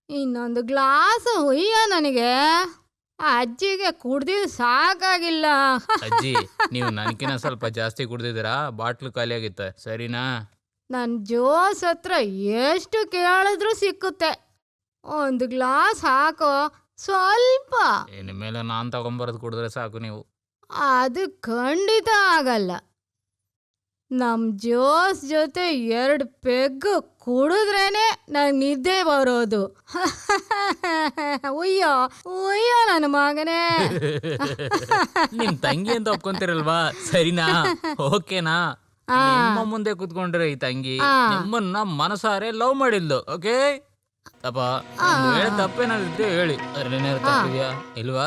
ಇನ್ನೊಂದು ಗ್ಲಾಸ್ ಹುಯ್ಯ ನನಗೆ. ಅಜ್ಜಿಗೆ ಕುಡ್ದಿದ್ದು ಸಾಕಾಗಿಲ್ಲ. ಅಜ್ಜಿ ನೀವು ನನಗಿನ ಸ್ವಲ್ಪ ಜಾಸ್ತಿ ಕುಡ್ದಿದ್ದೀರಾ, ಬಾಟ್ಲು ಖಾಲಿ ಆಗಿತ್ತೆ ಸರಿನಾ? ನನ್ನ ಜೋಸ್ ಹತ್ರ ಎಷ್ಟು ಕೇಳಿದ್ರು ಸಿಕ್ಕುತ್ತೆ. ಒಂದು ಗ್ಲಾಸ್ ಹಾಕೋ ಸ್ವಲ್ಪ. ಇನ್ನು ಮೇಲೆ ನಾನು ತಗೊಂಬರೋದು ಕುಡಿದ್ರೆ ಸಾಕು ನೀವು. ಅದು ಖಂಡಿತ ಆಗಲ್ಲ. ನಮ್ಮ ಜೋಸ್ ಜೊತೆ 2 ಪೆಗ್ಗು ಕುಡಿದ್ರೇನೆ ನಂಗೆ ನಿದ್ದೆ ಬರೋದು. ಉಯ್ಯೋ ಉಯ್ಯೋ ನನ್ನ ಮಗನೇ. ನಿಮ್ ತಂಗಿ ಅಂತ ಒಪ್ಕೊಂತೀರಲ್ವಾ, ಸರಿನಾ? ಓಕೆನಾ? ನಿಮ್ಮ ಮುಂದೆ ಕುತ್ಕೊಂಡ್ರೆ ಈ ತಂಗಿ ನಿಮ್ಮನ್ನ ಮನಸಾರೆ ಲವ್ ಮಾಡಿದ್ಲು. ಓಕೆ ತಪ್ಪ ತಪ್ಪೇನಾದ್ರು ಹೇಳಿ. ಅದ್ರಲ್ಲೇನಾದ್ರು ತಪ್ಪಿದ್ಯಾ ಇಲ್ವಾ?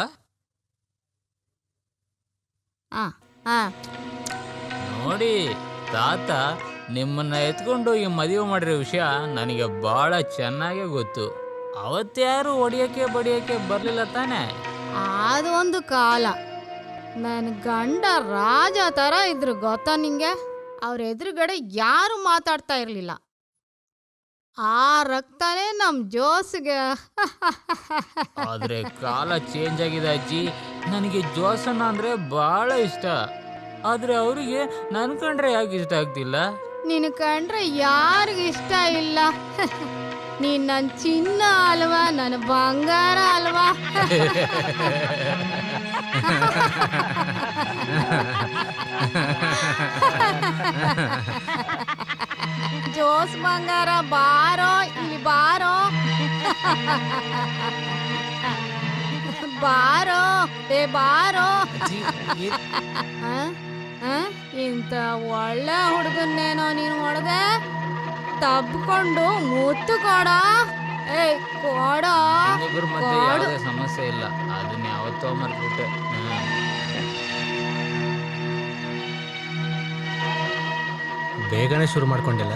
ನೋಡಿ ತಾತ ನಿಮ್ಮನ್ನ ಎತ್ಕೊಂಡು ಈ ಮದುವೆ ಮಾಡಿರೋ ವಿಷಯ ನನಗೆ ಬಹಳ ಚೆನ್ನಾಗೇ ಗೊತ್ತು. ಅವತ್ತ್ಯಾರು ಹೊಡಿಯೋಕೆ ಬಡಿಯೋಕೆ ಬರಲಿಲ್ಲ ತಾನೆ? ಅದು ಒಂದು ಕಾಲ. ನನ್ನ ಗಂಡ ರಾಜ ಥರ ಇದ್ರು ಗೊತ್ತಾ ನಿಂಗೆ. ಅವ್ರ ಎದುರುಗಡೆ ಯಾರು ಮಾತಾಡ್ತಾ ಇರಲಿಲ್ಲ. ಆ ರಕ್ತನೇ ನಮ್ಮ ಜೋಸ್ಗೆ. ಆದ್ರೆ ಕಾಲ ಚೇಂಜ್ ಆಗಿದೆ ಅಜ್ಜಿ. ನನಗೆ ಜೋಸನ್ನ ಅಂದ್ರೆ ಬಹಳ ಇಷ್ಟ. ಆದ್ರೆ ಅವರಿಗೆ ನನ್ ಕಂಡ್ರೆ ಯಾಕೆ ಇಷ್ಟ ಆಗ್ತಿಲ್ಲ? ನಿನ್ ಕಂಡ್ರೆ ಯಾರಿಗಿಷ್ಟ ಇಲ್ಲ? ನೀನ್ ನನ್ನ ಚಿನ್ನ ಅಲ್ವಾ, ನನ್ನ ಬಂಗಾರ ಅಲ್ವಾ? ಜೋಸ್ ಬಂಗಾರ ಬಾರೋ ಇಲ್ಲಿ ಬಾರೋ. ಬಾರೋ ಬಾರೋ. ಇಂಥ ಒಳ್ಳೆ ಹುಡುಗನ್ನೇನೋ ನೀನು ಹೊಡೆದೆ. ತಬ್ಕೊಂಡು ಮುತ್ತು ಕೊಡ. ಏಯ್ ಕೊಡ. ಮತ್ತೆ ಯಾವುದೇ ಸಮಸ್ಯೆ ಇಲ್ಲ, ಅದನ್ನ ಯಾವತ್ತೋ ಮರ್ಬಿಟ್ಟೆ. ಬೇಗನೆ ಶುರು ಮಾಡ್ಕೊಂಡಿಲ್ಲ.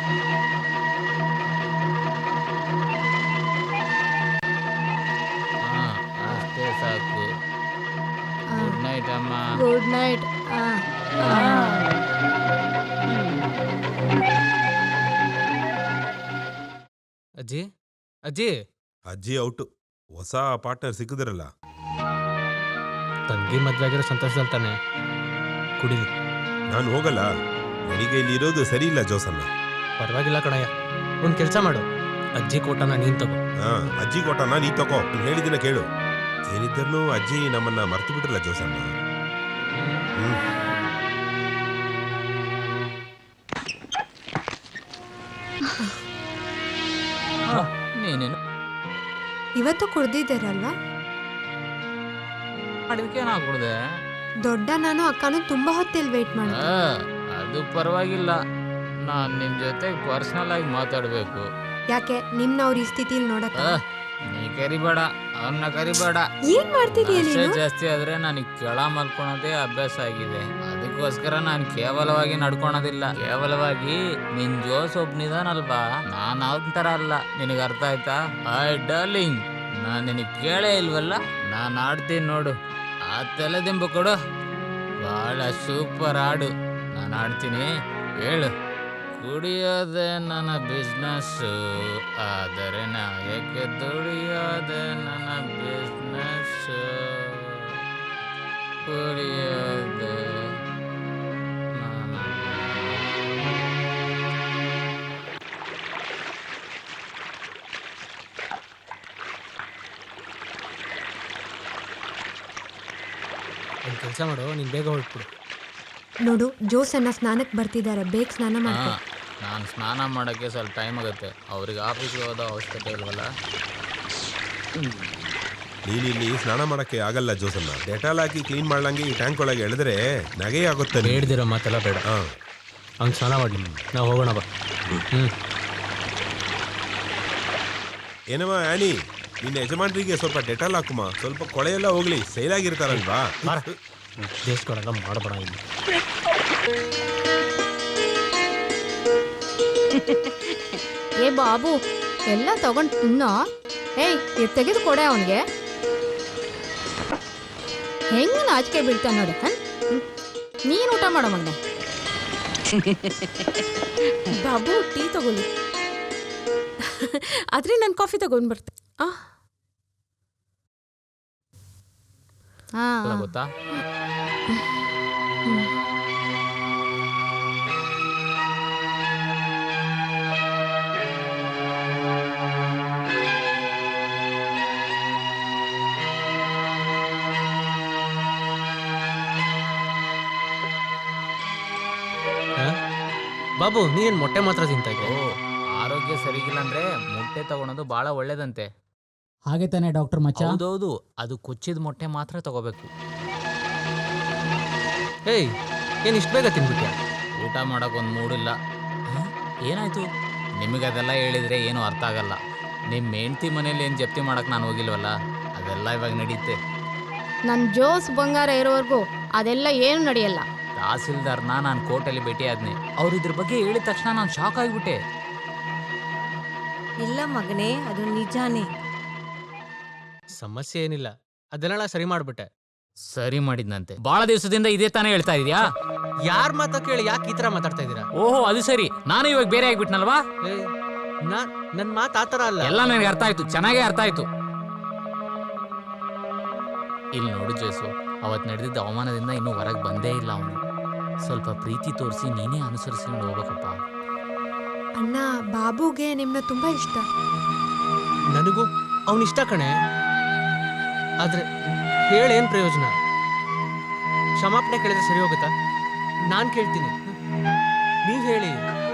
ಅಷ್ಟೇ ಸಾಕು. ಗುಡ್ ನೈಟ್ ಅಮ್ಮ. Good night. ಅಜ್ಜಿ ಅಜ್ಜಿ ಅಜ್ಜಿ ಔಟು. ಹೊಸ ಪಾರ್ಟ್ನರ್ ಸಿಕ್ಕಿದ್ರಲ್ಲ. ತಂಗಿ ಮದ್ವೆ ಆಗಿರೋ ಸಂತೋಷದಲ್ಲಿ ತಾನೆ ಕುಡಿಲಿ. ನಾನು ಹೋಗಲ್ಲ, ನನಗೆ ಇಲ್ಲಿ ಇರೋದು ಸರಿ ಇಲ್ಲ ಜೋಸನ್ನ. ಪರವಾಗಿಲ್ಲ ಕಣಯ್ಯ, ಒಂದು ಕೆಲಸ ಮಾಡು, ಅಜ್ಜಿ ಕೋಟನ ನೀನ್ ತಗೋ. ಅಜ್ಜಿ ಕೊಟ್ಟನ ನೀ ತಗೋ. ಹೇಳಿದಿನ ಕೇಳು. ಏನಿದ್ದರೂ ಅಜ್ಜಿ ನಮ್ಮನ್ನ ಮರ್ತು ಬಿಟ್ರಲ್ಲ ಜೋಸನ್ನ. ನೀನೇನು ಇವತ್ತು ಕುಡ್ದಿದ್ದೀರಲ್ವಾ? ಅದಕ್ಕೆ ನಾ ಕುಡ್ದೆ. ದೊಡ್ಡ ನಾನು ಅಕ್ಕನೂ ತುಂಬಾ ಹೊತ್ತಿಲ್ ವೇಟ್ ಮಾಡಿ. ಅದು ಪರವಾಗಿಲ್ಲ, ನಾನ್ ನಿಮ್ ಜೊತೆ ಪರ್ಸನಲ್ ಆಗಿ ಮಾತಾಡ್ಬೇಕು. ಯಾಕೆ ನಿಮ್ನ ಅವ್ರ ಈ ಸ್ಥಿತಿಲಿ ನೋಡಕ್ಕ? ನೀ ಕರಿಬೇಡ, ಅವನ್ನ ಕರಿಬೇಡ. ಏನ್ ಮಾಡ್ತಿದೀಯ ನೀನು? ಜಾಸ್ತಿ ಆದ್ರೆ ನನಗೆ ಕೆಳ ಮಲ್ಕೊಳೋದೇ ಅಭ್ಯಾಸ ಆಗಿದೆ. ಅದಕ್ಕೋಸ್ಕರ ನಾನು ಕೇವಲವಾಗಿ ನಡ್ಕೊಳೋದಿಲ್ಲ. ಕೇವಲವಾಗಿ ನಿನ್ ಜೋಸ್ ಒಬ್ನಿದಾನಲ್ವಾ, ನಾನು ಅವನ ತರ ಅಲ್ಲ. ನಿನಗೆ ಅರ್ಥ ಆಯ್ತಾ? ಐ ಡಾರ್ಲಿಂಗ್, ನಾನು ನಿನಗೆ ಕೇಳೇ ಇಲ್ವಲ್ಲ. ನಾನು ಆಡ್ತೀನಿ ನೋಡು. ಆ ತಲೆದಿಂಬು ಕೊಡು. ಬಹಳ ಸೂಪರ್ ಹಾಡು. ನಾನು ಆಡ್ತೀನಿ, ಹೇಳು. ಕುಡಿಯೋದೆ ನನ್ನ ಬಿಸ್ನೆಸ್ಸು, ಆದರೆ ನಾಯಕ್ಕೆ ದುಡಿಯೋದೆ ನನ್ನ ಬಿಸ್ನೆಸ್ಸು. ಕುಡಿಯೋದೆ ನನ್ನ. ಒಂದು ಕೆಲಸ ಮಾಡು, ನೀನು ಬೇಗ ಹೊರಟ್ಬಿಡು. ನೋಡು, ಜೋಸನ್ನ ಸ್ನಾನಕ್ಕೆ ಬರ್ತಿದ್ದಾರೆ, ಬೇಗ ಸ್ನಾನ ಮಾಡ್ಕೊ. ನಾನು ಸ್ನಾನ ಮಾಡೋಕ್ಕೆ ಸ್ವಲ್ಪ ಟೈಮ್ ಆಗುತ್ತೆ. ಅವ್ರಿಗೆ ಆಫೀಸ್ಗೆ ಹೋದ ಅವಶ್ಯಕತೆ ಇಲ್ವಲ್ಲ. ನೀನಿಲ್ಲಿ ಸ್ನಾನ ಮಾಡಕ್ಕೆ ಆಗಲ್ಲ ಜೋಸನ್ನ. ಡೆಟಾಲ್ ಹಾಕಿ ಕ್ಲೀನ್ ಮಾಡ್ಲಂಗೆ ಈ ಟ್ಯಾಂಕ್ ಒಳಗೆ ಎಳೆದ್ರೆ ನಗೆ ಆಗುತ್ತೆ. ಬೇಡ್ದಿರೋ ಮಾತೆಲ್ಲ ಬೇಡ. ಹಂಗೆ ಸ್ನಾನ ಮಾಡಿ ನಾವು ಹೋಗೋಣ ಬಾ. ಏನಮ್ಮ ಆನಿ, ನಿನ್ನ ಯಜಮಾನ್ರಿಗೆ ಸ್ವಲ್ಪ ಡೆಟಾಲ್ ಹಾಕುಮ. ಸ್ವಲ್ಪ ಕೊಳೆಯೆಲ್ಲ ಹೋಗ್ಲಿ, ಸೈಲಾಗಿರ್ತಾರಲ್ವಾ. ದೇಶಕೊಳಗ ಮಾಡಬೇಡ ಇಲ್ಲಿ. ಏ ಬಾಬು, ಎಲ್ಲ ತಗೊಂಡು ತಿನ್ನೋ. ಏಯ್ ಇದು ತೆಗೆದು ಕೊಡೆ ಅವನಿಗೆ. ಹೆಂಗ ನಾಚಿಕೆ ಬೀಳ್ತಾನೆ ನೋಡಿ. ನೀನು ಊಟ ಮಾಡೋ ಮಗನೆ. ಬಾಬು ಟೀ ತಗೊಳ್ಳಿ. ಆದ್ರೆ ನಾನು ಕಾಫಿ ತಗೊಂಡ್ ಬರ್ತೆ ಹಾ ಅಲ್ಲ ಗೊತ್ತಾ ಬಾಬು ನೀನ್ ಮೊಟ್ಟೆ ಮಾತ್ರ ತಿಂತಾ ಇದ್ದೆ. ಓ ಆರೋಗ್ಯ ಸರಿಗಿಲ್ಲ ಅಂದ್ರೆ ಮೊಟ್ಟೆ ತಗೊಳೋದು ಬಹಳ ಒಳ್ಳೇದಂತೆ. ಹಾಗೆ ತಾನೇ ಡಾಕ್ಟರ್ ಮಚ್ಚ? ಹೌದೌದು, ಅದು ಕೊಚ್ಚಿದ ಮೊಟ್ಟೆ ಮಾತ್ರ ತಗೋಬೇಕು. ಏಯ್ ಏನ್ ಇಷ್ಟು ಬೇಗ ತಿನ್ಬಿಟ್ಯಾ? ಊಟ ಮಾಡಕ್ ಒಂದು ಮೂಡಿಲ್ಲ. ಏನಾಯ್ತು? ನಿಮಗೆ ಅದೆಲ್ಲ ಹೇಳಿದ್ರೆ ಏನು ಅರ್ಥ ಆಗಲ್ಲ. ನಿಮ್ಮ ಹೆಂಡ್ತಿ ಮನೇಲಿ ಏನು ಜಪ್ತಿ ಮಾಡಕ್ ನಾನು ಹೋಗಿಲ್ವಲ್ಲ, ಅದೆಲ್ಲ ಇವಾಗ ನಡೀತೆ. ನನ್ನ ಜೋಸ್ ಬಂಗಾರ ಇರೋವರೆಗೂ ಅದೆಲ್ಲ ಏನು ನಡೆಯಲ್ಲ. ತಹಸೀಲ್ದಾರ್ನ ನಾನು ಕೋರ್ಟಲ್ಲಿ ಭೇಟಿ ಆದ್ನಿ. ಅವ್ರು ಇದ್ರ ಬಗ್ಗೆ ಹೇಳಿದ ತಕ್ಷಣ ನಾನು ಶಾಕ್ ಆಗಿಬಿಟ್ಟೆ. ಇಲ್ಲ ಮಗನೇ, ಅದು ನಿಜಾನೇ. ಸಮಸ್ಯೆ ಏನಿಲ್ಲ, ಅದನ್ನೆಲ್ಲ ಸರಿ ಮಾಡ್ಬಿಟ್ಟೆ. ಸರಿ ಮಾಡಿದ್ನಂತೆ. ಬಹಳ ದಿವಸದಿಂದ ಇದೇ ತಾನೇ ಹೇಳ್ತಾ ಇದೀಯಾ? ಯಾರ್ ಮಾತಾ ಕೇಳಿ ಯಾಕೆ ಈ ತರ ಮಾತಾಡ್ತಾ ಇದೀರಾ? ಓಹೋ ಅದು ಸರಿ, ನಾನು ಇವಾಗ ಬೇರೆ ಆಗ್ಬಿಟ್ನಲ್ವಾ? ಏಯ್ ನನ್ ಮಾತು ಆತರ ಅಲ್ಲ. ಎಲ್ಲ ನನಗೆ ಅರ್ಥ ಆಯ್ತು, ಚೆನ್ನಾಗೇ ಅರ್ಥ ಆಯ್ತು. ಇಲ್ಲಿ ನೋಡು ಜೇಸು, ಅವತ್ತು ನಡೆದಿದ್ದ ಅವಮಾನದಿಂದ ಇನ್ನೂ ಹೊರಗೆ ಬಂದೇ ಇಲ್ಲ ಅವನು. ಸ್ವಲ್ಪ ಪ್ರೀತಿ ತೋರಿಸಿ ನೀನೇ ಅನುಸರಿಸ್ಕೊಂಡು ಹೋಗ್ಬೇಕಪ್ಪ. ಅಣ್ಣ, ಬಾಬುಗೆ ನಿಮ್ಮನ್ನ ತುಂಬಾ ಇಷ್ಟ. ನನಗೂ ಅವನ್ ಇಷ್ಟ ಕಣೆ. ಆದ್ರೆ ಹೇಳೇನ್ ಪ್ರಯೋಜನ? ಕ್ಷಮಾಪಣೆ ಕೇಳಿದ್ರೆ ಸರಿ ಹೋಗುತ್ತಾ? ನಾನ್ ಕೇಳ್ತೀನಿ, ನೀವ್ ಹೇಳಿ.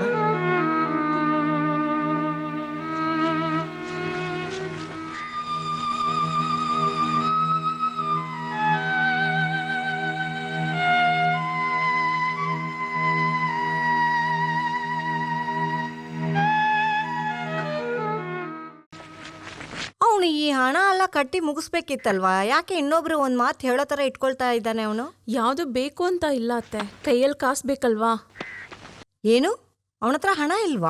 ಅವನು ಈ ಹಣ ಎಲ್ಲ ಕಟ್ಟಿ ಮುಗಿಸ್ಬೇಕಿತ್ತಲ್ವಾ? ಯಾಕೆ ಇನ್ನೊಬ್ರು ಒಂದ್ ಮಾತು ಹೇಳೋ ತರ ಇಟ್ಕೊಳ್ತಾ ಇದ್ದಾನೆ ಅವನು? ಯಾವ್ದು ಬೇಕು ಅಂತ ಇಲ್ಲ ಅತ್ತೆ, ಕೈಯಲ್ಲಿ ಕಾಸು ಬೇಕಲ್ವಾ? ಏನು, ಅವನ ಹತ್ರ ಹಣ ಇಲ್ವಾ?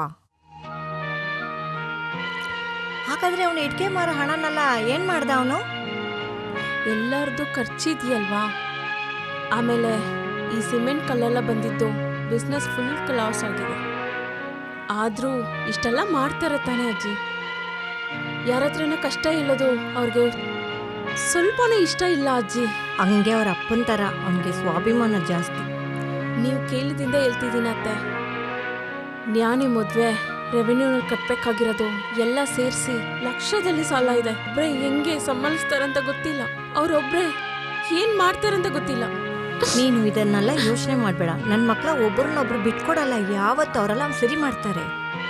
ಹಾಗಾದ್ರೆ ಅವನು ಇಟ್ಕೆ ಮಾರೋ ಹಣನೆಲ್ಲ ಏನ್ ಮಾಡ್ದ ಅವನು? ಎಲ್ಲರದು ಖರ್ಚಿದೆಯಲ್ವಾ? ಆಮೇಲೆ ಈ ಸಿಮೆಂಟ್ ಕಲ್ಲೆಲ್ಲ ಬಂದಿದ್ದು ಬಿಸ್ನೆಸ್ ಫುಲ್ ಲಾಸ್ ಆಗಿದೆ. ಆದ್ರೂ ಇಷ್ಟೆಲ್ಲ ಮಾಡ್ತಾರೆ ತಾನೇ ಅಜ್ಜಿ. ಯಾರ ಹತ್ರನ ಕಷ್ಟ ಇಲ್ಲದು ಅವ್ರಿಗೆ ಸ್ವಲ್ಪನೇ ಇಷ್ಟ ಇಲ್ಲ ಅಜ್ಜಿ. ಹಂಗೆ ಅವ್ರ ಅಪ್ಪನ ತರ ಅವನಿಗೆ ಸ್ವಾಭಿಮಾನ ಜಾಸ್ತಿ. ನೀವು ಕೇಳಿದಿಂದ ಹೇಳ್ತಿದ್ದೀನಿ ಅತ್ತೆ. ನ್ಯಾನಿ ಮದುವೆ ರೆವೆನ್ಯೂನಲ್ಲಿ ಕಟ್ಟಬೇಕಾಗಿರೋದು ಎಲ್ಲ ಸೇರಿಸಿ ಲಕ್ಷದಲ್ಲಿ ಸಾಲ ಇದೆ. ಒಬ್ರೆ ಹೆಂಗೆ ಸಂಭಾಳಿಸ್ತಾರಂತ ಗೊತ್ತಿಲ್ಲ, ಅವ್ರೊಬ್ರೆ ಏನ್ ಮಾಡ್ತಾರಂತ ಗೊತ್ತಿಲ್ಲ. ನೀನು ಇದನ್ನೆಲ್ಲ ಯೋಚನೆ ಮಾಡ್ಬೇಡ. ನನ್ನ ಮಕ್ಕಳ ಒಬ್ಬರನ್ನೊಬ್ರು ಬಿಟ್ಕೊಡಲ್ಲ, ಯಾವತ್ತು ಅವರೆಲ್ಲ ಸರಿ ಮಾಡ್ತಾರೆ.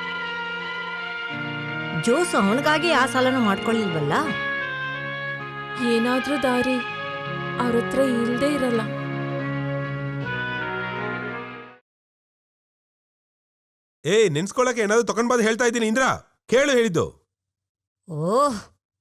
ಜೋಸ್ ಅವನಿಗಾಗಿ ಆ ಸಾಲನ ಮಾಡ್ಕೊಳ್ಳಿಲ್ವಲ್ಲ. ಏನಾದ್ರೂ ದಾರಿ ಅವ್ರ ಹತ್ರ ಇಲ್ದೇ ಇರಲ್ಲ. ನೆನ್ಸ್ಕೊಳಕ್ಕೆ ಏನಾದ್ರು ತಗೊಂಡ್ ಬಂದು ಹೇಳ್ತಾ ಇದ್ದೀನಿ ಇಂದ್ರ, ಕೇಳು ಹೇಳಿದ್ದು. ಓಹ್,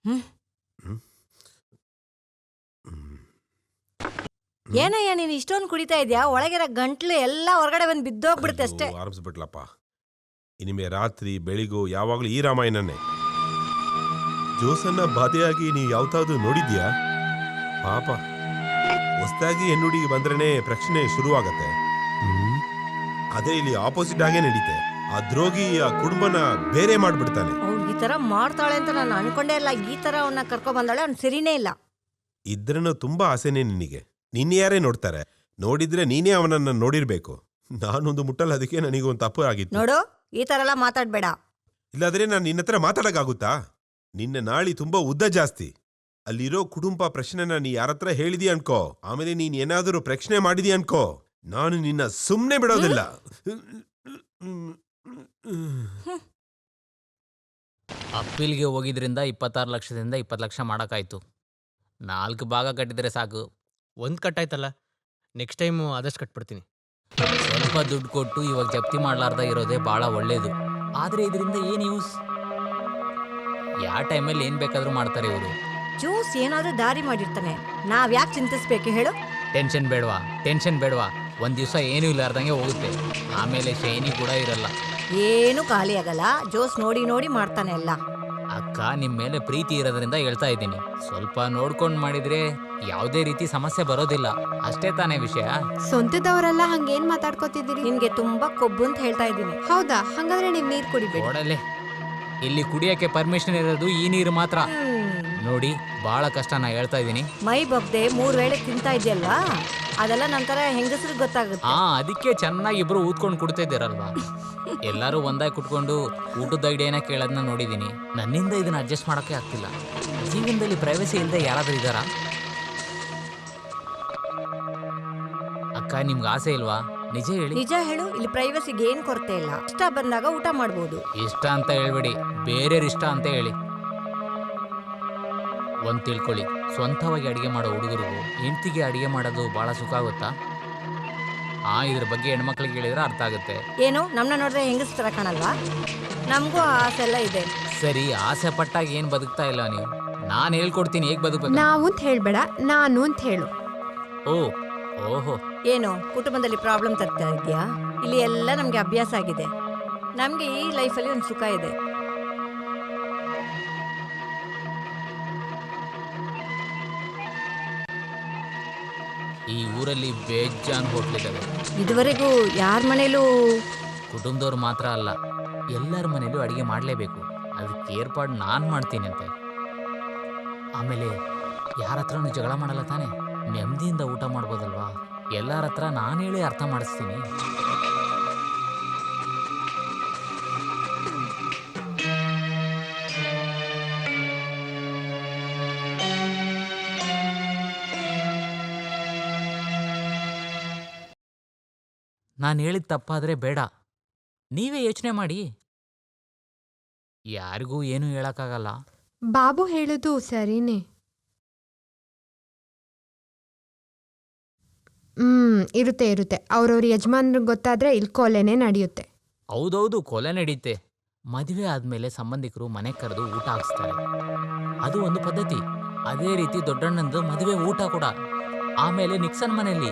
ಏನಯ್ಯ ನೀನು ಇಷ್ಟೊಂದು ಕುಡಿತಾ ಇದ್ಯಾ? ಒಳಗಿರೋ ಗಂಟ್ಲು ಎಲ್ಲ ಹೊರಗಡೆ ಬಂದು ಬಿದ್ದೋಗ್ಬಿಡುತ್ತೆ ಅಷ್ಟೇ. ಆರಂಭಿಸ್ಬಿಟ್ಲಪ್ಪ. ಇನಿಮೆ ರಾತ್ರಿ ಬೆಳಿಗೂ ಯಾವಾಗ್ಲೂ ಈ ರಾಮಾಯಣನೇ. ಜೋಸನ್ನ ಬಾಧೆಯಾಗಿ ನೀ ಯಾವತ್ತಾದ್ರೂ ನೋಡಿದ್ಯಾ? ಪಾಪ, ಹೊಸದಾಗಿ ಹೆಣ್ಣುಡಿಗೆ ಬಂದ್ರೇನೆ ಪ್ರಶ್ನೆ ಶುರುವಾಗತ್ತೆ. ಅದೇ ಇಲ್ಲಿ ಆಪೋಸಿಟ್ ಆಗೇ ನಡೀತೆ. ಆ ದ್ರೋಗಿ ಆ ಕುಟುಂಬನ ಬೇರೆ ಮಾಡ್ಬಿಡ್ತಾನೆ. ಅವ್ಳು ಈ ತರ ಮಾಡ್ತಾಳೆ ಅಂತ ನಾನು ಅನ್ಕೊಂಡೇ ಇಲ್ಲ. ಈ ತರ ಅವನ್ನ ಕರ್ಕೊ ಬಂದಾಳೆ, ಅವ್ನು ಸರಿನೇ ಇಲ್ಲ. ಇದ್ರನ್ನು ತುಂಬಾ ಆಸೆನೆ ನಿನಗೆ. ನಿನ್ನ ಯಾರೇ ನೋಡ್ತಾರೆ? ನೋಡಿದ್ರೆ ನೀನೇ ಅವನನ್ನ ನೋಡಿರ್ಬೇಕು. ನಾನೊಂದು ಮುಟ್ಟಲ್ಲ, ಅದಕ್ಕೆ ನನಗೊಂದು ತಪ್ಪು ಆಗಿತ್ತು. ನೋಡು, ಈ ತರ ಎಲ್ಲ ಮಾತಾಡ್ಬೇಡ. ಇಲ್ಲಾದ್ರೆ ನಾನು ನಿನ್ನ ಹತ್ರ ಮಾತಾಡಕ್ಕಾಗುತ್ತಾ? ನಿನ್ನ ನಾಳಿ ತುಂಬಾ ಉದ್ದ ಜಾಸ್ತಿ. ಅಲ್ಲಿರೋ ಕುಟುಂಬ ಪ್ರಶ್ನೆನ ನೀ ಯಾರತ್ರ ಹೇಳಿದಿ ಅನ್ಕೋ, ಆಮೇಲೆ ನೀನ್ ಏನಾದರೂ ಪ್ರಶ್ನೆ ಮಾಡಿದಿ ಅನ್ಕೋ, ನಾನು ನಿನ್ನ ಸುಮ್ನೆ ಬಿಡೋದಿಲ್ಲ. ಅಪ್ಪೀಲ್ಗೆ ಹೋಗಿದ್ರಿಂದ 26 ಲಕ್ಷದಿಂದ 20 ಲಕ್ಷ ಮಾಡೋಕ್ಕಾಯ್ತು. 4 ಭಾಗ ಕಟ್ಟಿದ್ರೆ ಸಾಕು. ಒಂದ್ ಕಟ್ಟಾಯ್ತಲ್ಲ, ನೆಕ್ಸ್ಟ್ ಟೈಮ್ ಆದಷ್ಟು ಕಟ್ಬಿಡ್ತೀನಿ. ಸ್ವಲ್ಪ ದುಡ್ಡು ಕೊಟ್ಟು ಇವಾಗ ಜಪ್ತಿ ಮಾಡ್ಲಾರ್ದ ಇರೋದೇ ಭಾಳ ಒಳ್ಳೇದು. ಆದರೆ ಇದರಿಂದ ಏನು ಯೂಸ್? ಯಾವ ಟೈಮಲ್ಲಿ ಏನು ಬೇಕಾದರೂ ಮಾಡ್ತಾರೆ ಇವರು. ಜೋಸ್ ಏನಾದ್ರೂ ದಾರಿ ಮಾಡಿರ್ತಾನೆ, ನಾವ್ ಯಾಕೆ ಚಿಂತಿಸ್ಬೇಕು ಹೇಳು? ಟೆನ್ಷನ್ ಬೇಡವಾ. ಒಂದು ದಿವಸ ಏನೂ ಇಲ್ಲಾರ್ದಂಗೆ ಹೋಗುತ್ತೆ. ಆಮೇಲೆ ಶೈನಿ ಕೂಡ ಇರಲ್ಲ. ಏನು ಖಾಲಿ ಆಗಲ್ಲ. ಜೋಸ್ ನೋಡಿ ನೋಡಿ ಮಾಡ್ತಾನೆ ಎಲ್ಲ. ಅಕ್ಕ, ನಿಮ್ಮ ಮೇಲೆ ಪ್ರೀತಿ ಇರೋದ್ರಿಂದ ಹೇಳ್ತಾ ಇದ್ದೀನಿ. ಸ್ವಲ್ಪ ನೋಡ್ಕೊಂಡು ಮಾಡಿದ್ರೆ ಯಾವುದೇ ರೀತಿ ಸಮಸ್ಯೆ ಬರೋದಿಲ್ಲ. ಅಷ್ಟೇ ತಾನೇ ವಿಷಯ. ಸ್ವಂತದವರೆಲ್ಲ ಹಂಗೇನ್ ಮಾತಾಡ್ಕೋತಿದ್ದೀರಿ? ನಿನ್ಗೆ ತುಂಬಾ ಕೊಬ್ಬು ಅಂತ ಹೇಳ್ತಾ ಇದ್ದೀನಿ. ಹೌದಾ? ಹಂಗಾದ್ರೆ ನೀವ್ ನೀರ್ ಕುಡಿಬೇಡಿ. ಓಡಲೆ ಇಲ್ಲಿ ಕುಡಿಯಕ್ಕೆ ಪರ್ಮಿಷನ್ ಇರೋದು ಈ ನೀರು ಮಾತ್ರ. ನೋಡಿ ಬಹಳ ಕಷ್ಟ, ನಾ ಹೇಳ್ತಾ ಇದ್ದೀನಿ. ಮೈ ಬಗ್ದೆ 3 ವೇಳೆ ತಿಂತಾ ಇದೆಯಲ್ವಾ, ಅದೆಲ್ಲ ನಂತರ ಹೆಂಗಸ್ರಿಗೆ ಗೊತ್ತಾಗುತ್ತೆ. ಅದಕ್ಕೆ ಚೆನ್ನಾಗಿ ಇಬ್ರು ಊದ್ಕೊಂಡು ಕುಡ್ತಿದ್ದೀರಲ್ವಾ. ಎಲ್ಲರೂ ಒಂದಾಗಿ ಕುಟ್ಕೊಂಡು ಊಟದ ಐಡಿಯಾನ ಕೇಳೋದನ್ನ ನೋಡಿದ್ದೀನಿ. ನನ್ನಿಂದ ಇದನ್ನ ಅಡ್ಜಸ್ಟ್ ಮಾಡೋಕ್ಕೆ ಆಗ್ತಿಲ್ಲ. ಜೀವನದಲ್ಲಿ ಪ್ರೈವಸಿ ಇಲ್ಲದೆ ಯಾರಾದ್ರೂ ಇದ್ದಾರಾ? ಅಕ್ಕ, ನಿಮ್ಗೆ ಆಸೆ ಇಲ್ವಾ? ನಿಜ ಹೇಳಿ. ನಿಜ ಹೇಳು, ಇಲ್ಲಿ ಪ್ರೈವಸಿಗೆ ಏನ್ ಕೊರತೆ ಇಲ್ಲ. ಇಷ್ಟ ಬಂದಾಗ ಊಟ ಮಾಡ್ಬೋದು. ಇಷ್ಟ ಅಂತ ಹೇಳ್ಬೇಡಿ, ಬೇರೆ ಇಷ್ಟ ಅಂತ ಹೇಳಿ. ಒಂದ್ ತಿಳ್ಕೊಳ್ಳಿ, ಸ್ವಂತವಾಗಿ ಅಡಿಗೆ ಮಾಡೋ ಹುಡುಗರಿಗೂ ಹೆಂಡತಿಗೆ ಅಡಿಗೆ ಮಾಡೋದು ಬಹಳ ಸುಖ ಆಗುತ್ತಾ? ಇದ್ರ ಬಗ್ಗೆ ಹೆಣ್ಮಕ್ಳಿಗೆ ಹೇಳಿದ್ರೆ ಅರ್ಥ ಆಗುತ್ತೆ. ಏನು ನಮ್ನ ನೋಡಿದ್ರೆ ಹೆಂಗಸ್ ತರ ಕಾಣಲ್ವಾ? ನಮಗೂ ಆಸೆ ಎಲ್ಲ ಇದೆ. ಸರಿ, ಆಸೆ ಪಟ್ಟಾಗ ಏನ್ ಬದುಕ್ತಾ ಇಲ್ಲ ನೀವು. ನಾನು ಹೇಳ್ಕೊಡ್ತೀನಿ ಹೇಗ್ ಬದುಕಬೇಕು. ನಾವು ಅಂತ ಹೇಳ್ಬೇಡ, ನಾನು ಅಂತ ಹೇಳು. ಓಹೋ, ಏನು ಕುಟುಂಬದಲ್ಲಿ ಪ್ರಾಬ್ಲಮ್ ತರ್ತಾ ಇದೆಯಾ? ಇಲ್ಲಿ ಎಲ್ಲ ನಮ್ಗೆ ಅಭ್ಯಾಸ ಆಗಿದೆ. ನಮ್ಗೆ ಈ ಲೈಫಲ್ಲಿ ಒಂದು ಸುಖ ಇದೆ. ಈ ಊರಲ್ಲಿ ಬೇಜಾನ್ ಹೋಟ್ಲಿದ್ದಾವೆ. ಇದುವರೆಗೂ ಯಾರ ಮನೇಲೂ ಕುಟುಂಬದವ್ರು ಮಾತ್ರ ಅಲ್ಲ, ಎಲ್ಲರ ಮನೇಲೂ ಅಡಿಗೆ ಮಾಡಲೇಬೇಕು. ಅದಕ್ಕೆ ಏರ್ಪಾಡು ನಾನು ಮಾಡ್ತೀನಿ ಅಂತೆ. ಆಮೇಲೆ ಯಾರ ಹತ್ರನೂ ಜಗಳ ಮಾಡಲ್ಲ ತಾನೆ, ನೆಮ್ಮದಿಯಿಂದ ಊಟ ಮಾಡ್ಬೋದಲ್ವಾ? ಎಲ್ಲರ ಹತ್ರ ನಾನು ಹೇಳಿ ಅರ್ಥ ಮಾಡಿಸ್ತೀನಿ. ನಾನು ಹೇಳಿದ ತಪ್ಪಾದರೆ ಬೇಡ, ನೀವೇ ಯೋಚನೆ ಮಾಡಿ. ಯಾರಿಗೂ ಏನೂ ಹೇಳಕ್ಕಾಗಲ್ಲ. ಬಾಬು ಹೇಳೋದು ಸರಿನೇ. ಇರುತ್ತೆ ಇರುತ್ತೆ. ಅವ್ರವ್ರ ಯಜಮಾನ್ರಿಗೆ ಗೊತ್ತಾದ್ರೆ ಇಲ್ಲಿ ಕೊಲೆನೇ ನಡೆಯುತ್ತೆ. ಹೌದೌದು, ಕೊಲೆ ನಡೀತೆ. ಮದುವೆ ಆದಮೇಲೆ ಸಂಬಂಧಿಕರು ಮನೆ ಕರೆದು ಊಟ ಹಾಕ್ಸ್ತಾರೆ, ಅದು ಒಂದು ಪದ್ಧತಿ. ಅದೇ ರೀತಿ ದೊಡ್ಡಣ್ಣಂದು ಮದುವೆ ಊಟ ಕೂಡ. ಆಮೇಲೆ ನಿಕ್ಸನ್ ಮನೆಯಲ್ಲಿ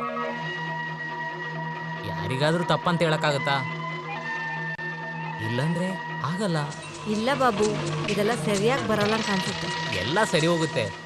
ಯಾರಿಗಾದ್ರೂ ತಪ್ಪಂತ ಹೇಳಕ್ಕಾಗತ್ತಾ? ಇಲ್ಲಂದ್ರೆ ಆಗಲ್ಲ. ಇಲ್ಲ ಬಾಬು, ಇದೆಲ್ಲ ಸರಿಯಾಗಿ ಬರಲ್ಲ ಅಂತ ಅನ್ಸುತ್ತೆ. ಎಲ್ಲ ಸರಿ ಹೋಗುತ್ತೆ.